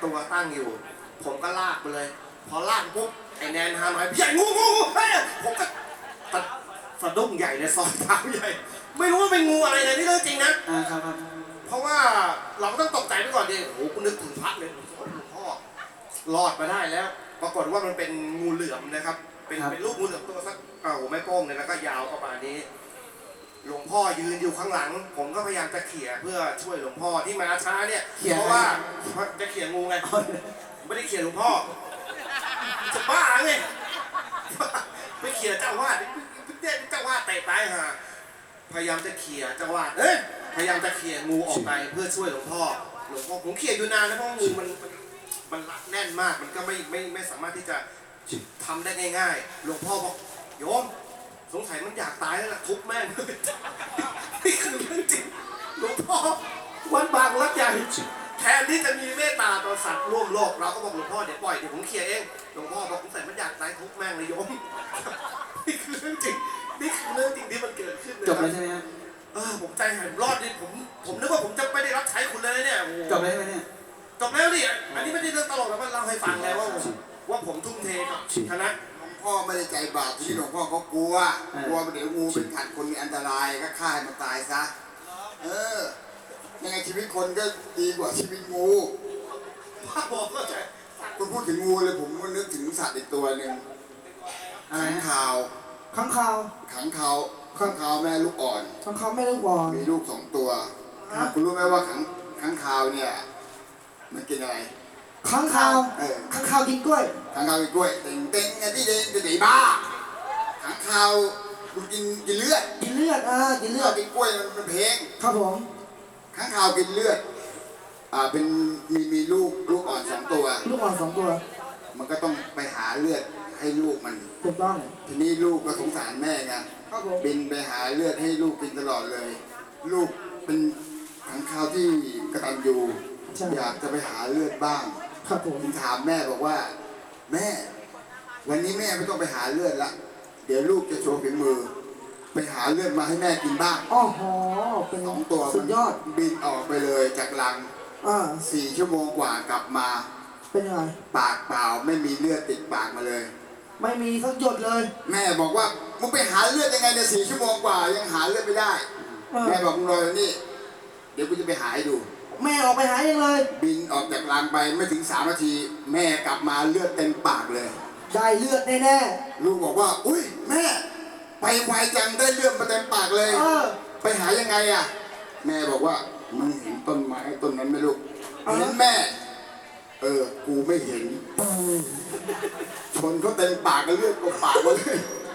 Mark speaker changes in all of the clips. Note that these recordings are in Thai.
Speaker 1: ตัวตั้งอยู่ผมก็ลากไปเลยพอลากปุ๊บไอ้แนนหาหน่อยใหญ่งูเฮ้ยผมก็สะดุ้งใหญ่เลยซอยเท้าใหญ่ไม่รู้ว่าเป็นงูอะไรเลยนี่เรื่องจริงนะครับเพราะว่าเราก็ต้องตกใจไปก่อนดิโอ้โหกูนึกถึงพระเลยหลวงพ่อรอดมาได้แล้วปรากฏว่ามันเป็นงูเหลือมนะครับเป็นลูกงูเหลือมตัวสักไม่โป้งเลยแล้วก็ยาวประมาณนี้หลวงพ่อยืนอยู่ข้างหลังผมก็พยายามจะเขี่ยเพื่อช่วยหลวงพ่อที่มาช้าเนี่ยเพราะว่าจะเขี่ยงูไงไม่ได้เขี่ยหลวงพ่อจะบ้าไงไปเขี่ยเจ้าวาดเนี่ยเจ้าวาดเตะตายห่าพยายามจะเขี่ยเจ้าวาดพยายามจะเขี่ยงูออกไปเพื่อช่วยหลวงพ่อผมเขี่ยอยู่นานนะเพราะงูมันรัดแน่นมากมันก็ไม่สามารถที่จะทำได้ง่ายๆหลวงพ่อบอกโยมสงสัยมันอยากตายแล้วล่ะทุบแม่งนี่คือเรื่องจริงหลวงพ่อวันบางรักใหญ่แทนที่จะมีเมตตาต่อสัตว์ร่วมโลกเราก็บอกหลวงพ่อเดี๋ยวปล่อยเดี๋ยวผมเคลียร์เองหลวงพ่อบอกสงสัยมันอยากตายทุบแม่งเลยโยมนี่คือเรื่องจริงนี่คือเรื่องจริงที่มันเกิดขึ้นเลย
Speaker 2: จบแล้วใช่ไหมฮะ
Speaker 1: ผมใจหายรอดดิผมนึกว่าผมจะไม่ได้รับใช้คุณเลยเนี่ย
Speaker 2: จบแล้วใช่ไหมเนี่ย
Speaker 1: จบแล้วดิอันนี้ไม่ได้เรื่องตลกแล้วมันเล่าให้ฟังแล้วว่าผมทุ่มเทกับคณะ
Speaker 3: พ่อไม่ได้ใจบาปที่หลวงพ่อเขากลัวเดี๋ยวงูเป็นขัดคนมีอันตรายก็ฆ่าให้มันตายซะยังไงชีวิตคนก็ดีกว่าชีวิตงู
Speaker 1: พ่อบอกก็ใช่
Speaker 3: คุณพูดถึงงูเลยผมก็นึกถึงสัตว์อีกตัวหนึ่งขังข่าว
Speaker 2: ขังข่าว
Speaker 3: แม่ลูกอ่อน
Speaker 2: ขังข่าวแม่ลูกอ่อน
Speaker 3: มีลูก2 ตัวคุณรู้ไหมว่าขังข่าวเนี่ยมันกินอะไร
Speaker 2: ขังข่าวกินกล้วย
Speaker 3: ขังข่าวกินกล้วยเต่งไงที่เด้งจะหนีบ้าขังข่าวคุณกินเลือด
Speaker 2: กินกล้วย
Speaker 3: มันเพลง
Speaker 2: ครับผม
Speaker 3: ขังข่าวกินเลือดเป็นมีลูกอ่อน2 ตัวมันก็ต้องไปหาเลือดให้ลูกมัน
Speaker 2: ถูกต้อง
Speaker 3: ทีนี้ลูกก็สงสารแม่ไงบินไปหาเลือดให้ลูกกินตลอดเลยลูกเป็นขังข่าวที่กตัญญูอยากจะไปหาเลือดบ้าง
Speaker 2: ครับผม
Speaker 3: ถามแม่บอกว่าแม่วันนี้แม่ไม่ต้องไปหาเลือดละเดี๋ยวลูกจะโชว์ฝีมือไปหาเลือดมาให้แม่กินบ้าง
Speaker 2: อ๋อเป็น
Speaker 3: 2 ตัว
Speaker 2: สุดยอด
Speaker 3: บินออกไปเลยจากรัง4 ชั่วโมงกว่ากลับมา
Speaker 2: เป็นยังไง
Speaker 3: ปากเปล่าไม่มีเลือดติดปากมาเลย
Speaker 2: ไม่มีสักหยดเลย
Speaker 3: แม่บอกว่ามึงไปหาเลือดยังไงเนี่ย4 ชั่วโมงกว่ายังหาเลือดไม่ได้แม่บอกมึงรอนี่เดี๋ยวกูจะไปหาให้ดู
Speaker 2: แม่ออกไปหาเองเลย
Speaker 3: บินออกจากรังไปไม่ถึง3 นาทีแม่กลับมาเลือดเต็มปากเลย
Speaker 2: ได้เลือดแน่
Speaker 3: ๆลูกบอกว่าอุ้ยแม่ไปไวจังได้เลือดมาเต็มปากเลยไปหายังไงอ่ะแม่บอกว่ามึงเห็นต้นไม้ต้นนั้นไหมลูกเห็นแม่กูไม่เห็นชนเขาเต็มปากกันเลือดก็ปากมาเลย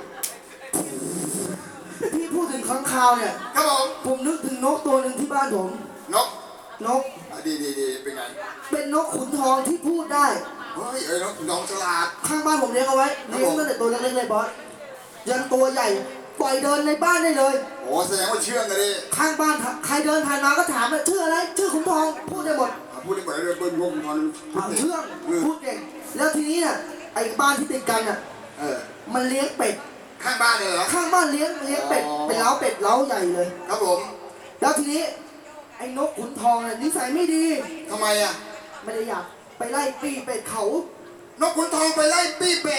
Speaker 2: พี่พูดถึงค้างคาวเนี่ย
Speaker 3: ครับ
Speaker 2: ผมนึกถึงนกตัวหนึ่งที่บ้านผม
Speaker 3: นกดีเป็นไง
Speaker 2: เป็นนกขุนทองที่พูดได้
Speaker 3: เฮ้ยนกขุนทองฉลาด
Speaker 2: ข้างบ้านผมเลี้ยงเอาไว้เลี้ยงตั้งแต่ตัวเล็กๆเลยบอสยันตัวใหญ่ปล่อยเดินในบ้านได้เลย
Speaker 3: โอ้แสดงว่าเชื่องกันดิ
Speaker 2: ข้างบ้านใครเดินผ่านมาก็ถามว่าชื่ออะไรชื่อขุนทองพูดได้หมด
Speaker 3: เลยเบิ้ลวงทอน
Speaker 2: เชื่องพูดเก่งแล้วทีนี้เนี่ยไอ้บ้านที่ติดกันมันเลี้ยงเป็ด
Speaker 3: ข้างบ้านเลยเหรอ
Speaker 2: ข้างบ้านเลี้ยงเป็ดเป็นเล้าเป็ดเล้าใหญ่เลย
Speaker 3: ครับผม
Speaker 2: แล้วทีนี้ไอ้นกขุนทองเนี่ยนิสัยไม่ดี
Speaker 3: ทำไมอ่ะ
Speaker 2: ไม่ได้อยากไปไล่ปี้เป็ดเขา
Speaker 3: นกขุนทองไปไล่ปี้เป็ด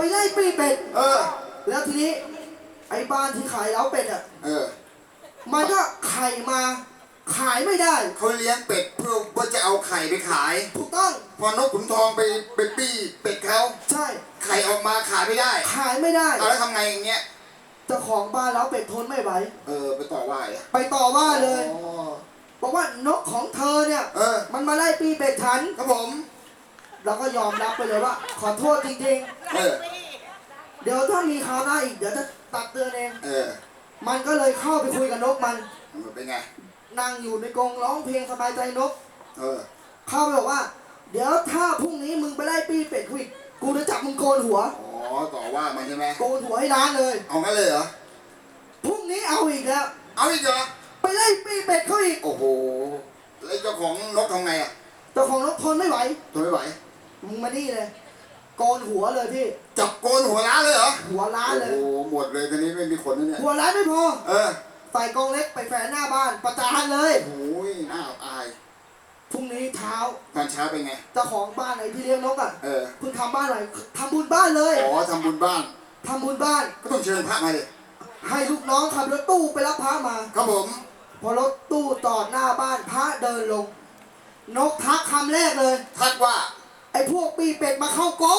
Speaker 2: แล้วทีนี้ไอ้บ้านที่ขายเล้าเป็ดมันก็ไข่มาขายไม่ได้
Speaker 3: เขาเลี้ยงเป็ดเพื่อจะเอาไข่ไปขาย
Speaker 2: ถูกต้อง
Speaker 3: พอนกขุนทองไปปี้เป็ดเขา
Speaker 2: ใช่
Speaker 3: ไข่ออกมาขายไม่ได้แล้วทำไงอย่างเงี้ย
Speaker 2: เจ้าของบ้านเล้าเป็ดทนไม่ไหว
Speaker 3: ไปต่อว่า
Speaker 2: เลยบอกว่านกของเธอเนี่ยมันมาไล่ปี้เป็ดฉัน
Speaker 3: ครับผม
Speaker 2: เราก็ยอมรับไปเลยว่าขอโทษจริงๆเดี๋ยวถ้ามีคราวหน้าอีกเดี๋ยวจะตักเตือนเองมันก็เลยเข้าไปคุยกับนกมัน
Speaker 3: เป็นไง
Speaker 2: นั่งอยู่ในกรงร้องเพลงสบายใจนกเข้าไปบอกว่าเดี๋ยวถ้าพรุ่งนี้มึงไปไล่ปี้เป็ดกูจะจับมึงโกนหัว
Speaker 3: ต่อว่ามันใช่ไหม
Speaker 2: โกนหัวให้ร้านเลย
Speaker 3: เอางั้นเลยเหรอ
Speaker 2: พรุ่งนี้เอาอีกแล้ว
Speaker 3: เหรอ
Speaker 2: ไปไล่ปี้เป็ดเขาอีก
Speaker 3: โอ้โหแล้วเจ้าของนกทำไงอ่ะ
Speaker 2: เจ้าของนกทนไม่ไหว
Speaker 3: มึ
Speaker 2: งมานี่เลยโกนหัวเลยพี่
Speaker 3: จับโกนหัวร้านเลยเหรอ
Speaker 2: หัวร้านเลย
Speaker 3: โอ้หมดเลยทีนี้ไม่มีขนแล้วเนี่ย
Speaker 2: หัวร้านไม่พอใส่กองเล็กไปแฝงหน้าบ้านประจานเลย
Speaker 3: โอ้ยน่าอาย
Speaker 2: พรุ่งนี้เช้า
Speaker 3: ตอนเช้าเป็นไง
Speaker 2: เจ้าของบ้านไหนที่เลี้ยงนกอ่ะ
Speaker 3: เออ
Speaker 2: เพิ่งทำบ้านใหม่ทำบุญบ้านเลย
Speaker 3: อ๋อทำบุญบ้าน
Speaker 2: ทำบุญบ้าน
Speaker 3: ก็ต้องเชิญพระมาเลย
Speaker 2: ให้ลูกน้องขับรถตู้ไปรับพระมา
Speaker 3: ครับผม
Speaker 2: พอรถตู้จอดหน้าบ้านพระเดินลง นกทักคำแรกเลย
Speaker 3: ทักว่า
Speaker 2: ไอ้พวกปีเป็ดมาเข้ากง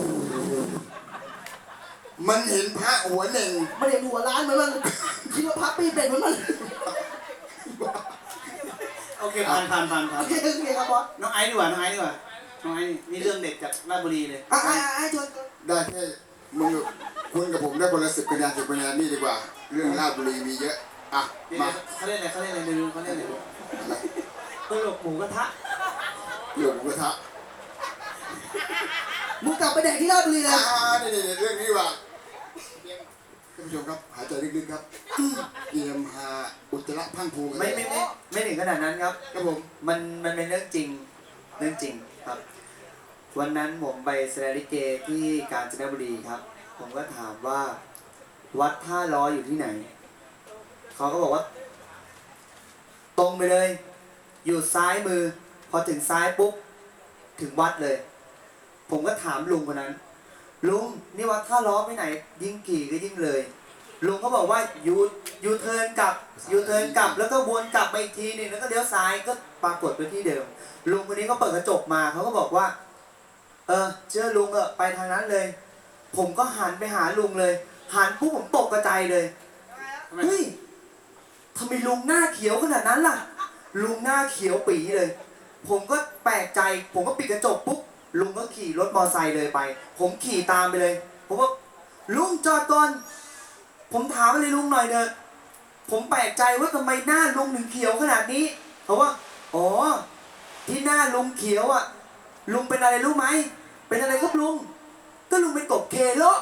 Speaker 3: มันเห็นพระหัวเหน่ง
Speaker 2: มันเห็นหัวร้านเหมือนมันคิดว่าพระปีเป็ดเหมือนมัน
Speaker 4: โอเคผ่านผ่านผ่านผ่า
Speaker 2: โอน เคโอเคครับบอส
Speaker 4: น้องไอซ์ดีกว่าน้องไอซ์ดีกว่าน้องไอซ์นี่เรื่องเด็ดจากราชบุรีเลย
Speaker 2: ไอ้ชวน
Speaker 3: ได้แค่มึงกับคุณกับผมได้คนละ10 คะแนน10 คะแนนนี่ดีกว่า เรื่องราชบุรีมีเยอะ อ่ะ
Speaker 4: นี่
Speaker 3: มา
Speaker 4: เขาเล่นอะไรเขาเล่นอะไรดูเขาเล่นอะไร
Speaker 3: อะไร
Speaker 4: ตลกหมูกระทะ
Speaker 3: เรื่องหมูกระทะ
Speaker 2: มึงกลับไปแดกที่ราชบุรีเลย
Speaker 3: นี่เรื่องนี้ดีกว่าท่านผู้ชมครับ หายใจลึกๆครับเตรียมหาอุจจาระพังผูกัน
Speaker 4: ไม่ถึงขนาดนั้นครับ
Speaker 3: ครับผม
Speaker 4: มันเป็นเรื่องจริงครับ วันนั้นผมไปแสดงลิเกที่กาญจนบุรีครับ ผมก็ถามว่า วัดท่าล้ออยู่ที่ไหนเขาก็บอกว่า ตรงไปเลย อยู่ซ้ายมือ พอถึงซ้ายปุ๊บถึงวัดเลย ผมก็ถามลุงคนนั้น ลุงนี่วัดท่าล้อไปไหน ยิ่งกี่ก็ยิ่งเลย ลุงก็บอกว่ายูเทิร์นกลับแล้วก็วนกลับมาอีกทีหนึงแล้วก็เลี้ยวซ้ายก็ปรากฏไปที่เดิม ลุงคนนี้ก็เปิดกระจกมาเขาก็บอกว่า เชื่อลุงไปทางนั้นเลย ผมก็หันไปหาลุงเลยหันปุ๊บผมตกกระจายเลยเฮ้ยทำไมลุงหน้าเขียวขนาดนั้นล่ะ ลุงหน้าเขียวปีเลย ผมก็แปลกใจ ผมก็ปิดกระจกปุ๊บลุงก็ขี่รถมอไซค์เลยไป ผมขี่ตามไปเลย ผมว่าลุงจอดก่อน ผมถามอะไรลุงหน่อยเถอะผมแปลกใจว่าทำไมหน้าลุงถึงเขียวขนาดนี้เขาว่าอ๋อที่หน้าลุงเขียวอ่ะลุงเป็นอะไรรู้ไหมเป็นอะไรครับลุงก็ลุงเป็นกบเคโล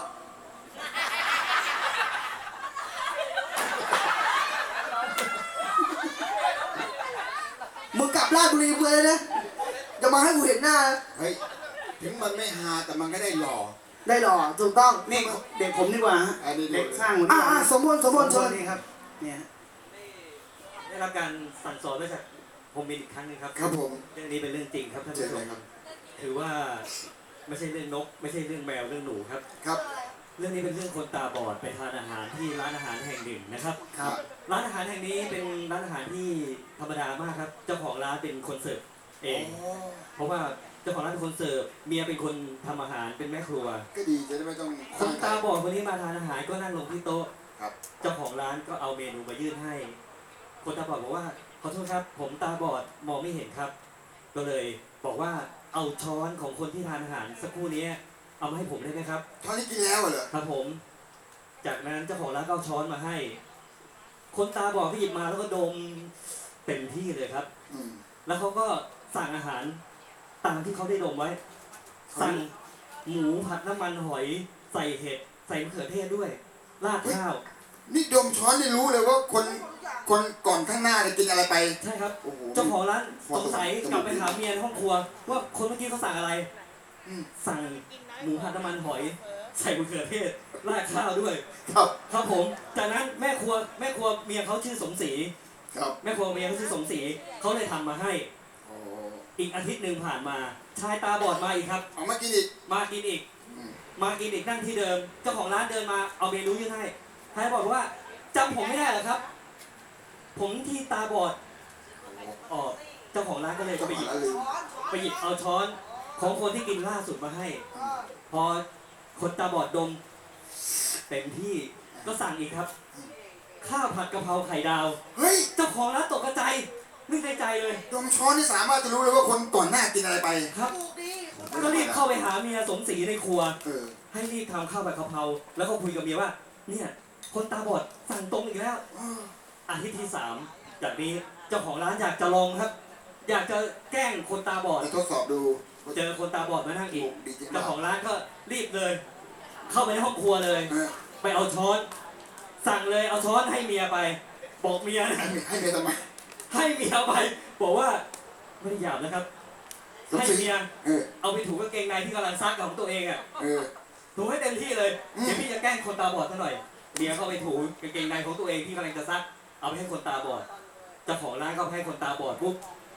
Speaker 2: มึงกลับราชบุรีเพื่อเลยนะจะมาให้กูเห็นหน้านะ
Speaker 3: เฮ้ย ถึงมันไม่ฮาแต่มันก็ได้หล่อ
Speaker 2: ได้หรอถูกต้อง
Speaker 4: นี่เด็กผมดีกว่าฮะ
Speaker 3: อันนี้
Speaker 4: เด็กสร้างผมดีกว่า
Speaker 2: สมบูรณ์เชิญ
Speaker 4: นี่ครับเนี่ยฮะ
Speaker 5: ได้รับการสั่งสอนมาจากผมมินอีกครั้งหนึงครับ
Speaker 3: ครับผม
Speaker 5: เรื่องนี้เป็นเรื่องจริงครับท่าน
Speaker 3: เชิญ
Speaker 5: ผู้ช
Speaker 3: เล
Speaker 5: ม
Speaker 3: ยครับ
Speaker 5: ถือว่าไม่ใช่เรื่องนก ไม่ใช่เรื่องแมวเรื่องหนูครับ
Speaker 3: ครับ
Speaker 5: เรื่องนี้เป็นเรื่องคนตาบอดไปทานอาหารที่ร้านอาหารแห่งหนึ่งนะครับ
Speaker 3: ครับ
Speaker 5: ร้านอาหารแห่งนี้เป็นร้านอาหารที่ธรรมดามากครับ เจ้าของร้านเป็นคนเสิร์ฟเอง เพราะว่าเจ้าของร้านเป็นคนเสิร์ฟเมียเป็นคนทำอาหารเป็นแม่ครัว
Speaker 3: ก็ดีจะได้ไม่ต้อง
Speaker 5: คนตาบอดคนนี้มาทานอาหารก็นั่งลงที่โต๊ะ
Speaker 3: ครับ
Speaker 5: เจ้าของร้านก็เอาเมนูมายื่นให้ คนตาบอดบอกว่าขอโทษครับ ผมตาบอดมองไม่เห็นครับ ก็เลยบอกว่าเอาช้อนของคนที่ทานอาหารสักครู่นี้เอามาให้ผมได้ไหมครับ
Speaker 3: เท่านี้กินแล้วเหรอ
Speaker 5: ครับผม จากนั้นเจ้าของร้านก็เอาช้อนมาให้ คนตาบอดก็หยิบมาแล้วก็ดมเต็มที่เลยครับ
Speaker 3: อืม
Speaker 5: แล้วเขาก็สั่งอาหารตามที่เขาได้ดมไว้ สั่งหมูผัดน้ำมันหอยใส่เห็ดใส่มะเขือเทศด้วยราดข้าว
Speaker 3: นี่ดมช้อนนี่รู้เลยว่าคนก่อนข้างหน้าเนี่ยกินอะไรไป
Speaker 5: ใช่ครับ
Speaker 3: โอ้โห
Speaker 5: เจ้าของร้านสงสัยกลับไปถามเมียในห้องครัว ว่าคนเมื่อกี้เขาสั่งอะไร
Speaker 3: อืม
Speaker 5: สั่งหมูผัดน้ำมันหอย ใส่มะเขือเทศราดข้าวด้วย
Speaker 3: ครับ
Speaker 5: ครับผม จากนั้นแม่ครัวเมียเขาชื่อสมศรี
Speaker 3: ครับ
Speaker 5: แม่ครัวเมียเขาชื่อสมศรีเขาเลยทำมาให้
Speaker 3: โอ้
Speaker 5: อีกอาทิตย์หนึ่งผ่านมา ชายตาบอดมาอีกครับ
Speaker 3: เอามากินอีก
Speaker 5: มากินอีก
Speaker 3: อืม
Speaker 5: มากินอีกนั่งที่เดิม เจ้าของร้านเดินมาเอาเมนูยื่นให้ชายบอกว่าจำผมไม่ได้เหรอครับ ผมที่ตาบอดอ๋อเจ้าของร้านก็เลย
Speaker 3: เจ้า
Speaker 5: ไป
Speaker 3: ข
Speaker 5: ห
Speaker 3: อง
Speaker 5: ยิบ
Speaker 3: ร้านลืม
Speaker 5: ไปหยิบเอาช้อนของคนที่กินล่าสุดมาให้ พอคนตาบอดดมเต็มที่ก็สั่งอีกครับ ข้าวผัดกะเพราไข่ดาว
Speaker 3: เฮ้ย
Speaker 5: เจ้าของร้านตกใจนึกในใจเลย
Speaker 3: ดมช้อนนี่สามารถจะรู้เลยว่าคนก่อนหน้ากินอะไรไป
Speaker 5: ครับ ก็รีบเข้าไปหาเมียสมศรีในครัว
Speaker 3: เออ
Speaker 5: ให้รีบทำข้าวผัดกะเพราแล้วก็คุยกับเมียว่า เนี่ย คนตาบอดสั่งตรงอีกแล้ว อาทิตย์ที่ 3 จากนี้เจ้าของร้านอยากจะลองครับ อยากจะแกล้งคนตาบอด
Speaker 3: ไปทดสอบดู
Speaker 5: เจอคนตาบอดมานั่งอีก
Speaker 3: ดีจริง
Speaker 5: เจ้าของร้านก็รีบเลย เข้าไปในห้องครัวเลย
Speaker 3: เออ
Speaker 5: ไปเอาช้อน สั่งเลยเอาช้อนให้เมียไป บอกเมียนะ
Speaker 3: ให้เมียทำไม
Speaker 5: ให้เมียไป บอกว่าไม่ได้หยาบนะครับ
Speaker 3: สม
Speaker 5: ให้
Speaker 3: ศรี
Speaker 5: เมีย
Speaker 3: เออ
Speaker 5: เอาไปถูกางเกงในที่กำลังซักของตัวเองอ่ะ
Speaker 3: เออ
Speaker 5: ถูให้เต็มที่เลย
Speaker 3: อืม
Speaker 5: เดี๋ยวพี่จะแกล้งคนตาบอดซะหน่อยเมียเข้าไปถูกางเกงในของตัวเองที่กำลังจะซัก เอาไปให้คนตาบอด เจ้าของร้านก็ให้คนตาบอดปุ๊บ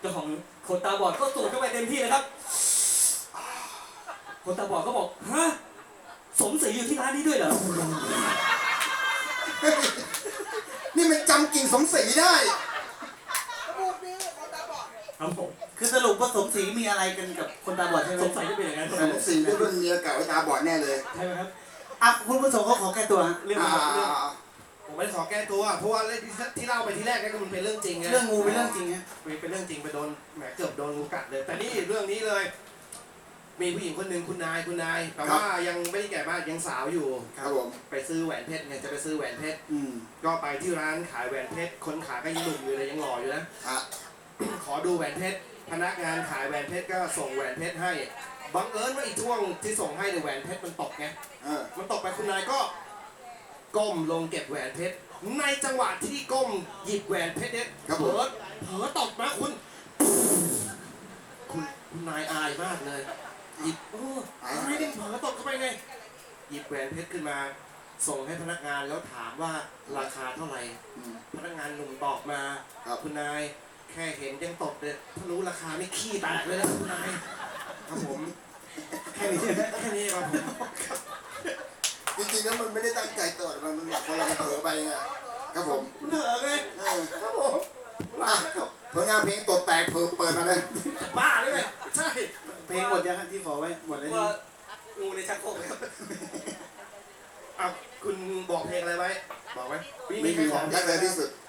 Speaker 5: เจ้าของคนตาบอดก็สูดเข้าไปเต็มที่เลยครับ คนตาบอดก็บอกฮะสมศรีอยู่ที่ร้านนี้ด้วยเหรอ
Speaker 3: นี่มันจำกิ่งสมศรีได้
Speaker 5: ครับผม
Speaker 4: คือสรุปว่าสมศรีมีอะไรกันกับคนตาบอดใช่ไหม
Speaker 5: สงสัยจะเป็นอย่างนั้น
Speaker 3: สมศรีได้เป็นเมียเก่าไอ้ตาบอดแน่เลย
Speaker 5: ใช่ไหมครับ
Speaker 4: อ่ะคุณผู้ชมเขาขอแก้ตัวฮะ
Speaker 5: เรื่อง
Speaker 3: อ่า
Speaker 5: เรื่อง
Speaker 1: ผมไม่ได้ขอแก้ตัว เพราะว่าเรื่องที่เล่าไปที่แรกก็มันเป็นเรื่องจริงไง
Speaker 4: เรื่องงูเป็นเรื่องจริงฮะ
Speaker 1: เป็นเรื่องจริงไปโดนแหมเกือบโดนงูกัดเลย แต่นี่เรื่องนี้เลย มีผู้หญิงคนหนึ่งคุณนายแต่ว่ายังไม่ได้แก่มากยังสาวอยู่
Speaker 3: ครับผม
Speaker 1: ไปซื้อแหวนเพชรไงจะไปซื้อแหวนเพชร
Speaker 4: อืม
Speaker 1: ก็ไปที่ร้านขายแหวนเพชรคนขายก็ยังหนุ่มอยู่เลยยังหล่ออยู่นะ
Speaker 3: อ่ะ
Speaker 1: ขอดูแหวนเพชรพนักงานขายแหวนเพชรก็ส่งแหวนเพชรให้บังเอิญว่าอีกช่วงที่ส่งให้ในยแหวนเพชรมันตกไง
Speaker 3: เออ
Speaker 1: มันตกไปคุณนายก็ก้มลงเก็บแหวนเพชรในจังหวะที่ก้มหยิบแหวนเพชรเนี่ยเผลอตกนะคุณนายอายมากเลยหยิบอายนี่เผลอตกเข้าไปไงหยิบแหวนเพชรขึ้นมาส่งให้พนักงานแล้วถามว่าราคาเท่าไหร่
Speaker 3: อืม
Speaker 1: พนักงานหนุ่มตอบมา
Speaker 3: ครับ
Speaker 1: คุณนายแค่เห็นยังตกเลยถ้ารู้ราคาไม่ขี้แตกเลยนะคุณนายครับผมแค่นี้ครับผม
Speaker 3: จริงๆแล้วมันไม่ได้ตั้งใจตรวจมันแบบคนเราเผลอไปไงครับผม
Speaker 1: คุณเถอะไง
Speaker 3: เออ
Speaker 1: ครับผม
Speaker 3: อ่ะผลงานเพลงตดแตกเปิดมาเลย
Speaker 1: บ้าเลยไงใช่
Speaker 4: เพลงหมดยังฮะที่ขอไว้หมดแล้ว
Speaker 1: ว่างูในชักโครกครับอ่ะคุณบอกเพลงอะไรไว้บอกไหมมีใครขอ
Speaker 3: รักเลยที่สุด